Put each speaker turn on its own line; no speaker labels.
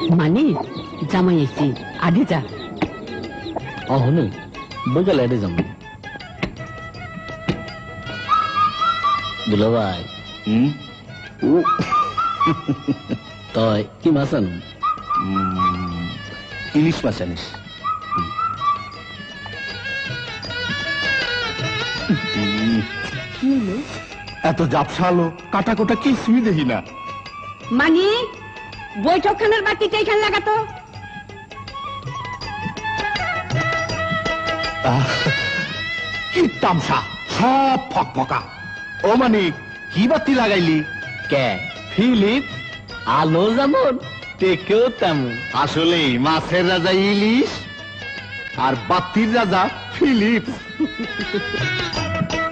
মানে জামাই এসছি আগে যা।
অহনু বইকালে এটে যাবো। দুলা ভাই তই কি মাছ আনো?
ইলিশ মাছ আনিস। এত জাপসালো কাটা কোটা কিছুই দেখি না।
মানে বৈঠকখানার বাতিটা এখানে লাগাতো।
কি তামসা সব ফক ফকা। ও মানিক কি বাতি লাগাইলি?
কে ফিলিপ আলো যেমন টেকেও তেমন।
আসলে মাছের রাজা ইলিশ আর বাতির রাজা ফিলিপ।